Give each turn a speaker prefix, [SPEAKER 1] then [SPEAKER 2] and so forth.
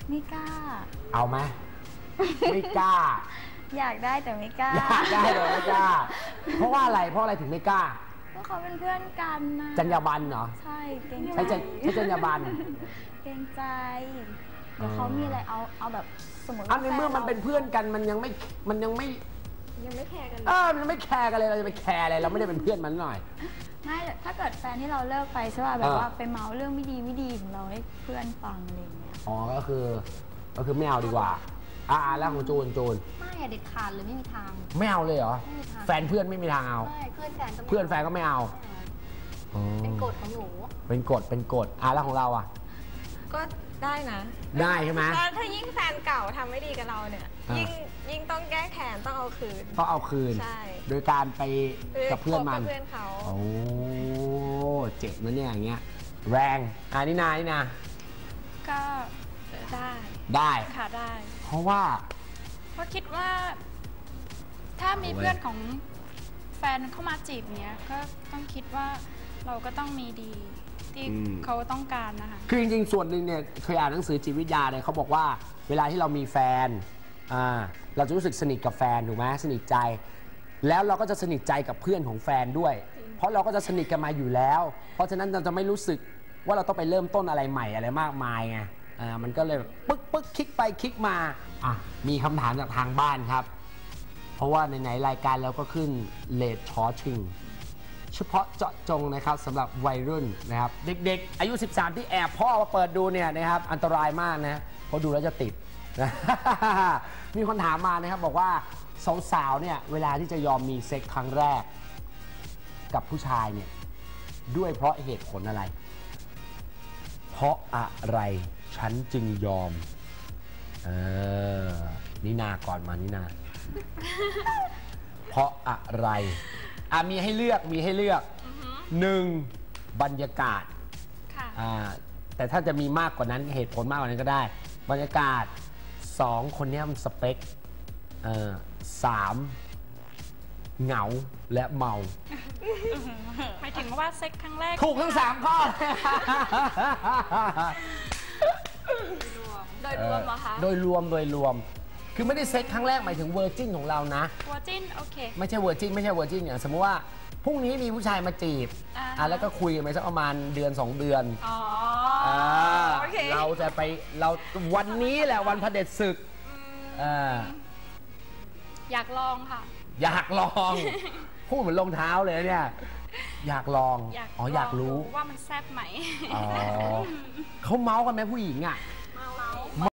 [SPEAKER 1] ไม่กล้า
[SPEAKER 2] เอาไหมไม่กล้า
[SPEAKER 1] อยากได้แต่ไม่กล้า
[SPEAKER 2] อยากได้แต่ไม่กล้าเพราะว่าอะไรถึงไม่กล้า
[SPEAKER 1] เพราะเขาเป็นเพื่อนกันนะ
[SPEAKER 2] จรรยาบรรณเหรอ
[SPEAKER 1] ใช่เกรงใจ
[SPEAKER 2] ใช่จรรยาบรรณ
[SPEAKER 1] เกรงใจเดี๋ยวเขามีอะไรเอาแบบสมมติ
[SPEAKER 2] ว่าในเมื่อมันเป็นเพื่อนกันมันยังไม่
[SPEAKER 1] แคร์กัน
[SPEAKER 2] มันไม่แคร์กันเลยเราจะไปแคร์อะไรเราไม่ได้เป็นเพื่อนมันหน่อย
[SPEAKER 1] ไม่ถ้าเกิดแฟนที่เราเลิกไปใช่ป่ะแบบว่าไปเมาเรื่องไม่ดีของเราให้เพื่อนฟังอะไรอย่างเงี้ย
[SPEAKER 2] อ๋อก็คือไม่เอาดีกว่าแล้วของจูน
[SPEAKER 3] ไม่เด็ดขาดเลยไม่มีทาง
[SPEAKER 2] ไม่เอาเลยเหรอแฟนเพื่อนไม่มีทางเอา
[SPEAKER 3] เพื่อนแฟน
[SPEAKER 2] ก็ไม่เอา
[SPEAKER 3] เป็นกฎของหนู
[SPEAKER 2] เป็นกฎแล้วของเรา
[SPEAKER 4] ก็ได้นะ
[SPEAKER 2] ได้ใช่ไหม
[SPEAKER 4] ถ้ายิ่งแฟนเก่าทำไม่ดีกับเราเนี่ยยิ่งต้องแก้แค้นต้องเอาคืนใช่
[SPEAKER 2] โดยการไปกับเพื่อนมัน
[SPEAKER 4] เพื่อนเขา
[SPEAKER 2] โอ้เจ็บนะเนี่ยอย่างเงี้ยแรงนี่นา
[SPEAKER 4] ก็
[SPEAKER 2] ได้
[SPEAKER 4] ค่ะได้
[SPEAKER 2] เพราะ
[SPEAKER 4] คิดว่าถ้ามีเพื่อนของแฟนเข้ามาจีบเนี้ยก็ต้องคิดว่าเราก็ต้องมีดีที่เขาต้องการนะคะ
[SPEAKER 2] คือจริงๆส่วนหนึ่งเนี่ยเคยอ่านหนังสือจิตวิทยาเนี่ยเขาบอกว่าเวลาที่เรามีแฟนเราจะรู้สึกสนิทกับแฟนถูกไหมสนิทใจแล้วเราก็จะสนิทใจกับเพื่อนของแฟนด้วยเพราะเราก็จะสนิทกันมาอยู่แล้วเพราะฉะนั้นเราจะไม่รู้สึกว่าเราต้องไปเริ่มต้นอะไรใหม่อะไรมากมายไงมันก็เลยปึ๊กคลิกไปคลิกมามีคำถามจากทางบ้านครับเพราะว่าในรายการเราก็ขึ้นเลดชอชิงเฉพาะเจาะจงนะครับสำหรับวัยรุ่นนะครับเด็กๆอายุ13ที่แอบพ่อมาเปิดดูเนี่ยนะครับอันตรายมากนะเพราะดูแล้วจะติดนะมีคนถามมานะครับบอกว่าสาวๆเนี่ยเวลาที่จะยอมมีเซ็กครั้งแรกกับผู้ชายเนี่ยด้วยเพราะเหตุผลอะไรเพราะอะไรฉันจึงยอมนินาก่อนมานินาเพราะอะไรมีให้เลือก1บรรยากาศแต่ถ้าจะมีมากกว่านั้นเหตุผลมากกว่านั้นก็ได้บรรยากาศ2คนนี้มันสเปค3เหงาและเมา
[SPEAKER 4] หมายถึงว่าเซ็กครั้งแรก
[SPEAKER 2] ถูกทั้ง3ข้อ
[SPEAKER 4] โดยรวมเหรอคะ
[SPEAKER 2] โดยรวมคือไม่ได้เซ็กครั้งแรกหมายถึงเวอร์จินของเรานะ
[SPEAKER 4] เวอร์จินโอเค
[SPEAKER 2] ไม่ใช่เวอร์จินอย่างสมมติว่าพรุ่งนี้มีผู้ชายมาจีบแล้วก็คุยกันไปสักประมาณเดือน2 เดือนเราจะไปวันนี้แหละวันเผด็จศึก
[SPEAKER 4] อยากลองค่ะ
[SPEAKER 2] อยากลองพูดเหมือนรองเท้าเลยเนี่ยอยากลองอยากรู้
[SPEAKER 4] ว่ามันแซ่บไหม
[SPEAKER 2] เขาเมาส์กันไหมผู้หญิง